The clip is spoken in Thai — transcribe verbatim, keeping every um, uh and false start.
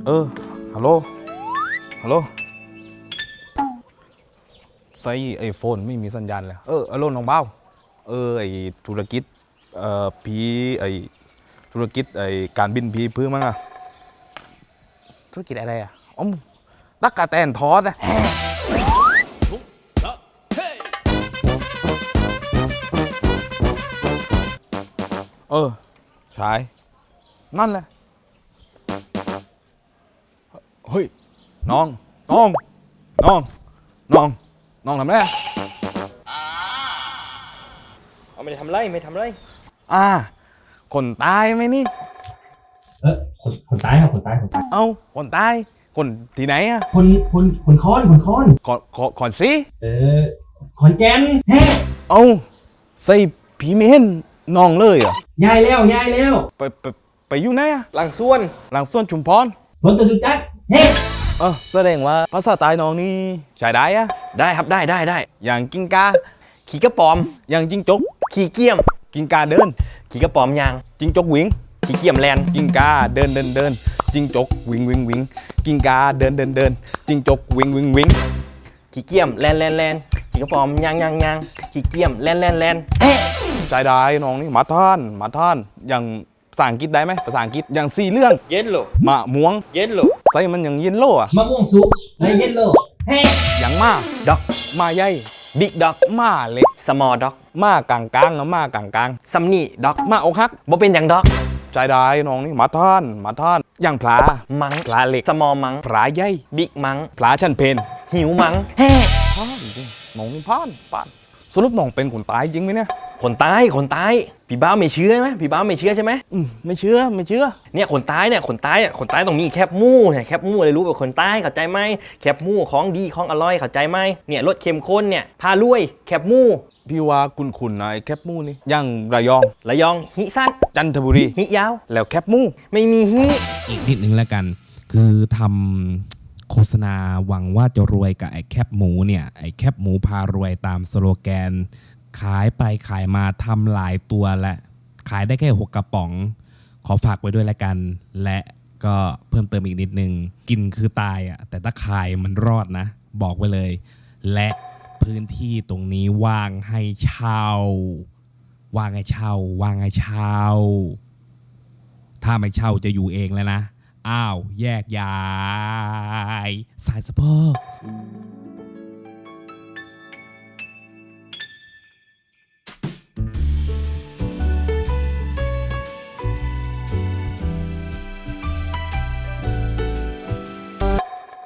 เออฮัลโหลฮัลโหลใส่ไอโฟนไม่มีสัญญาณเลยเออฮัลโหลน้องเบ้าเออไอธุรกิจเอ่อพีไอธุรกิจไอการบินพีพื้นมั้งอะธุรกิจอะไรอะอ๋อตักกะแตนทอดอะเออใช่นั่นแหละเฮ้ยน้องน้องน้องน้องน้องทำไงเอาไม่ได้ทำไรไม่ทำไรอ่าคนตายไหมนี่เออคนคนตายครับคนตายคนตายเอ้าคนตายคนที่ไหนอะคนคนคนค้อนคนค้อนขอขอขอนสิเออขอนแก่นแฮ่เอ้าใส่ผีเมนน้องเลยเหรอยายแล้วยายแล้วไปไปไปอยู่ไหนอะหลังส่วนหลังสวนชุมพรรถตะจุจักรเฮ่เออแสดงว่าภาษาใต้น้องนี่ใช้ได้อะได้ครับได้ได้ได้อย่างกิ้งกาขี่กระปอมอย่างจิ้งจกขี่เกียมกิ้งกาเดินขี่กระปอมยางจิ้งจกวิ่งขี่เกียมแลนกิ้งกาเดินเดินเดินจิ้งจกวิ่งวิ่งวิ่งกิ้งกาเดินเดินเดินจิ้งจกวิ่งวิ่งวิ่งขี่เกียมแลนแลนแลนขี่กระปอมยางยางยางขี่เกียมแลนแลนแลนเอ๊ะใช้ได้น้องนี่มาท่านมาท่านอย่างภาษาอังกฤษได้ไหมภาษาอังกฤษอย่างสี่เรื่องเย็นโลมะม่วงเย็นโลใส่มันอย่างเย็นโลอะมะม่วงสุกไอ้เย็นโลเฮ่อย่างมาด็อกมาใหญ่บิ๊กด็อกมาเล็กสมอลด็อกมากลางกลางๆมากลางกลางซัมนี่ด็อกๆมาอกหักบ่เป็นอย่างด็อกใจได้น้องนี่มาท่านมาท่านอย่างพลามังพลาเล็กสมอมังพลาใหญ่บิ๊กมังพลาชั้นเพนหิวมังเฮ้พานจริงน้องนี่พานพานสรุปน้องเป็นคนตายจริงไหมเนี่ยคนตายคนตายพี่บ้าไม่เชื่อไหมพี่บ้าไม่เชื่อใช่ไหมอืมไม่เชื่อไม่เชื่อเนี่ยคนตายเนี่ยคนตายอ่ะคนตายตรงนี้แคบหมู่เนี่ยแคบหมู่เลยรู้ว่าคนตายเข้าใจไหมแคบหมู่ของดีของอร่อยเข้าใจไหมเนี่ยรสเข้มข้นเนี่ยพารวยแคบหมู่พี่ว่าคุณคุณนายแคบหมูนี่อย่างระยองระยองหิสั้นจันทบุรีหิยาวแล้วแคบหมูไม่มีหิอีกนิดนึงแล้วกัน คือทำโฆษณาหวังว่าจะรวยกับไอ้แคบหมูเนี่ยไอ้แคบหมูพารวยตามสโลแกน ขายไปขายมาทำหลายตัวและขายได้แค่หกกระป๋อง ขอฝากไว้ด้วยแล้วกัน และก็เพิ่มเติมอีกนิดนึง กินคือตายอ่ะแต่ถ้าขายมันรอดนะ บอกไว้เลย และพื้นที่ตรงนี้ว่างให้เช่า ว่างให้เช่า ว่างให้เช่า ถ้าไม่เช่าจะอยู่เองแล้วนะ อ้าว แยกย้าย สายสะโพก